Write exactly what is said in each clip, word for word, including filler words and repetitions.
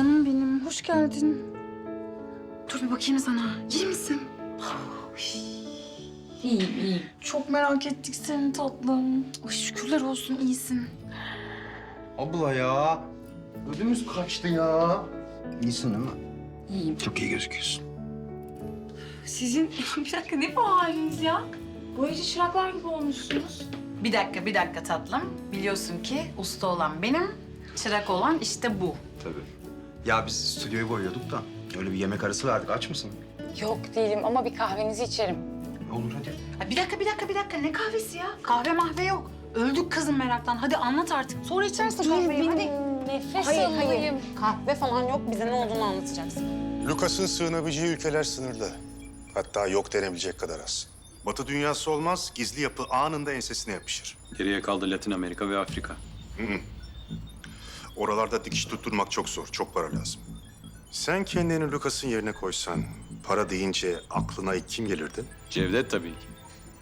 Canım benim, hoş geldin. Dur bir bakayım sana. İyi misin? İyiyim, iyiyim. Çok merak ettik seni tatlım. Ay şükürler olsun iyisin. Abla ya. Ödümüz kaçtı ya. İyisin değil mi? İyiyim. Çok iyi gözüküyorsun. Sizin bir dakika ne bu haliniz ya? Boyacı çıraklar gibi olmuşsunuz. Bir dakika, bir dakika tatlım. Biliyorsun ki usta olan benim, çırak olan işte bu. Tabii. Ya biz stüdyoyu boyuyorduk da öyle bir yemek arası verdik. Aç mısın? Yok değilim ama bir kahvenizi içerim. Olur hadi. Ha, bir dakika, bir dakika, bir dakika. Ne kahvesi ya? Kahve mahve yok. Öldük kızım meraktan. Hadi anlat artık. Sonra içersin kahveyi. Hadi. Nefes Hayır, alayım. hayır. Kahve falan yok. Bize ne olduğunu anlatacaksın. Lucas'ın sığınabileceği ülkeler sınırlı. Hatta yok denebilecek kadar az. Batı dünyası olmaz, gizli yapı anında ensesine yapışır. Geriye kaldı Latin Amerika ve Afrika. Oralarda dikiş tutturmak çok zor, çok para lazım. Sen kendini Lucas'ın yerine koysan, para deyince aklına ilk kim gelirdi? Cevdet tabii ki.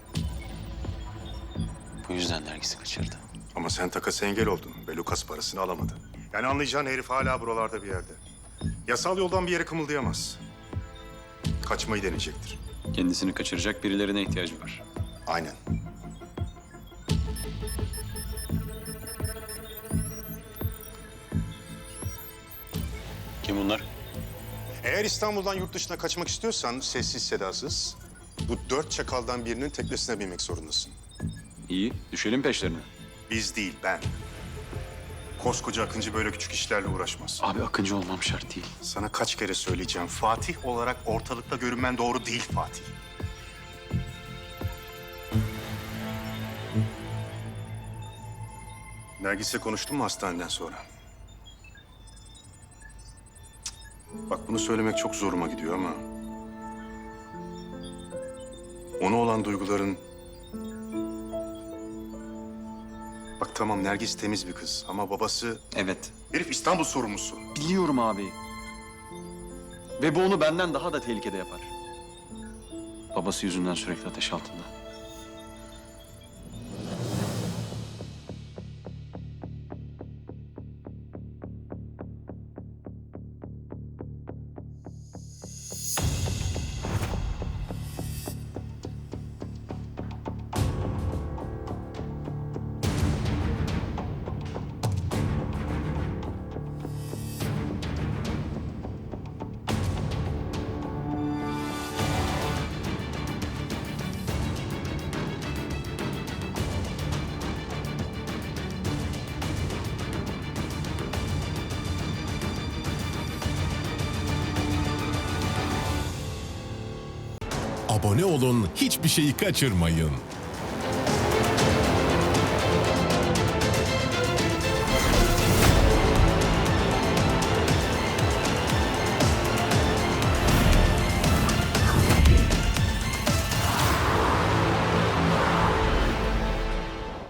Bu yüzden Nergis'i kaçırdı. Ama sen takası engel oldun ve Lucas parasını alamadı. Yani anlayacağın herif hala buralarda bir yerde. Yasal yoldan bir yere kımıldayamaz. Kaçmayı deneyecektir. Kendisini kaçıracak birilerine ihtiyacı var. Aynen. Kim bunlar? Eğer İstanbul'dan yurt dışına kaçmak istiyorsan sessiz sedasız bu dört çakaldan birinin teknesine binmek zorundasın. İyi, düşelim peşlerine. Biz değil, ben. Koskoca Akıncı böyle küçük işlerle uğraşmaz. Abi Akıncı olmam şart değil. Sana kaç kere söyleyeceğim. Fatih olarak ortalıkta görünmen doğru değil Fatih. Nergis'le konuştun mu hastaneden sonra? Cık. Bak bunu söylemek çok zoruma gidiyor ama... ona olan duyguların... Bak tamam Nergis temiz bir kız ama babası... Evet, Herif İstanbul sorumlusu. biliyorum abi. Ve bu onu benden daha da tehlikede yapar. Babası yüzünden sürekli ateş altında. Abone olun, hiçbir şeyi kaçırmayın.